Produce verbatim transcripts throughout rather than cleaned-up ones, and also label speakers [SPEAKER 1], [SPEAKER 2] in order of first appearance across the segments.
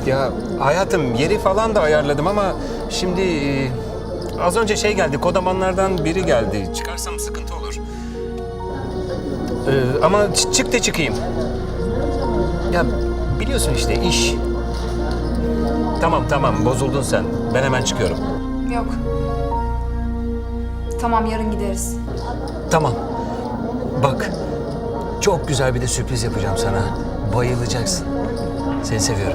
[SPEAKER 1] Ya hayatım yeri falan da ayarladım ama şimdi e, az önce şey geldi, kodamanlardan biri geldi. Çıkarsam sıkıntı olur. Ee, ama ç- çık da çıkayım. Ya biliyorsun işte iş. Tamam tamam bozuldun sen. Ben hemen çıkıyorum.
[SPEAKER 2] Yok. Tamam, yarın gideriz.
[SPEAKER 1] Tamam. Bak çok güzel bir de sürpriz yapacağım sana. Bayılacaksın. Seni seviyorum.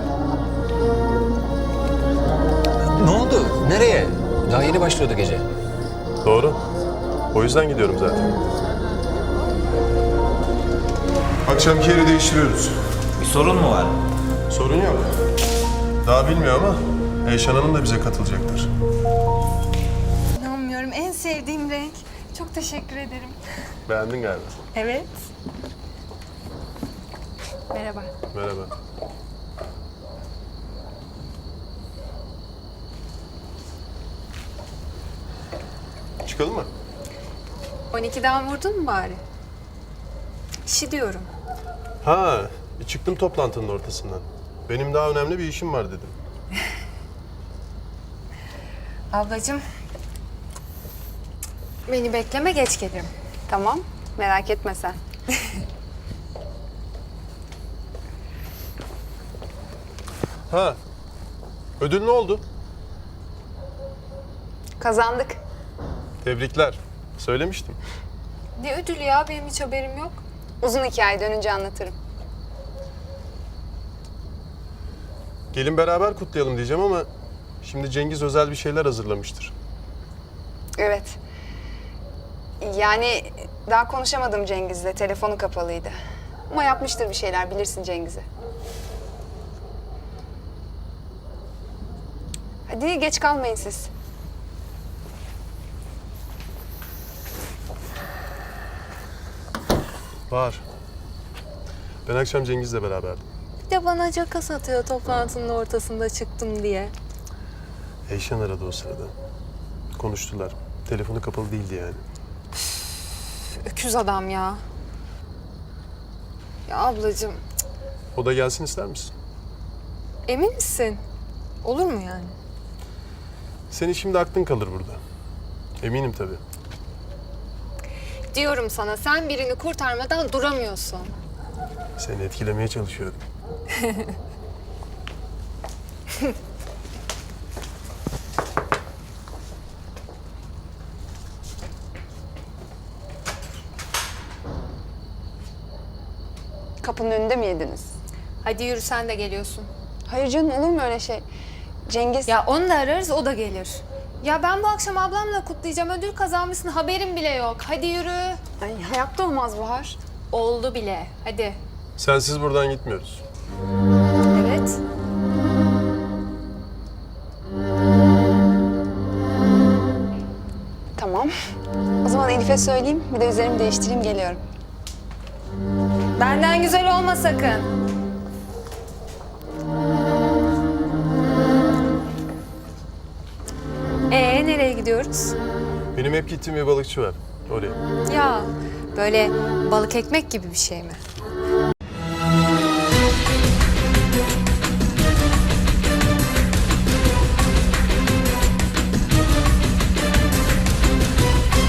[SPEAKER 1] Ne oldu? Nereye? Daha yeni başlıyordu gece.
[SPEAKER 3] Doğru. O yüzden gidiyorum zaten. Akşamki yeri değiştiriyoruz.
[SPEAKER 4] Bir sorun mu var?
[SPEAKER 3] Sorun yok. Daha bilmiyor ama Eyşan Hanım da bize katılacaktır.
[SPEAKER 2] İnanmıyorum, en sevdiğim renk. Çok teşekkür ederim.
[SPEAKER 3] Beğendin galiba.
[SPEAKER 2] Evet. Merhaba.
[SPEAKER 3] Merhaba. Çıkalım mı?
[SPEAKER 2] on ikiden vurdun mu bari? İşi diyorum.
[SPEAKER 3] Ha, bir çıktım toplantının ortasından. Benim daha önemli bir işim var dedim.
[SPEAKER 2] Ablacığım, beni bekleme, geç gelirim. Tamam, merak etme sen.
[SPEAKER 3] Ha, ödül ne oldu?
[SPEAKER 2] Kazandık.
[SPEAKER 3] Tebrikler. Söylemiştim.
[SPEAKER 2] Ne ödülü ya? Benim hiç haberim yok. Uzun hikaye, dönünce anlatırım.
[SPEAKER 3] Gelin beraber kutlayalım diyeceğim ama şimdi Cengiz özel bir şeyler hazırlamıştır.
[SPEAKER 2] Evet. Yani daha konuşamadım Cengiz'le. Telefonu kapalıydı. Ama yapmıştır bir şeyler. Bilirsin Cengiz'i. Hadi geç kalmayın siz.
[SPEAKER 3] Var. Ben akşam Cengiz'le beraberdim.
[SPEAKER 2] Bir de bana caka satıyor toplantının ortasında çıktım diye.
[SPEAKER 3] Eyşan aradı o sırada. Konuştular. Telefonu kapalı değildi yani.
[SPEAKER 2] Öküz adam ya. Ya ablacığım,
[SPEAKER 3] O da gelsin ister misin?
[SPEAKER 2] emin misin? Olur mu yani?
[SPEAKER 3] Senin şimdi aklın kalır burada. Eminim tabii.
[SPEAKER 2] Diyorum sana, sen birini kurtarmadan duramıyorsun.
[SPEAKER 3] Seni etkilemeye çalışıyorum.
[SPEAKER 5] Kapının önünde mi yediniz?
[SPEAKER 2] Hadi yürü, sen de geliyorsun.
[SPEAKER 5] Hayır canım, olur mu öyle şey? Cengiz...
[SPEAKER 2] Ya onu da ararız, o da gelir. Ya ben bu akşam ablamla kutlayacağım. Ödül kazanmışsın, haberim bile yok. Hadi yürü.
[SPEAKER 5] Ay, hayatta olmaz Bahar.
[SPEAKER 2] Oldu bile. Hadi.
[SPEAKER 3] Sensiz buradan gitmiyoruz.
[SPEAKER 2] Evet.
[SPEAKER 5] Tamam. O zaman Elif'e söyleyeyim, bir de üzerimi değiştireyim, geliyorum.
[SPEAKER 2] Benden güzel olma sakın. Ee, nereye gidiyoruz?
[SPEAKER 3] Benim hep gittiğim bir balıkçı var. Oraya.
[SPEAKER 2] Ya böyle balık ekmek gibi bir şey mi?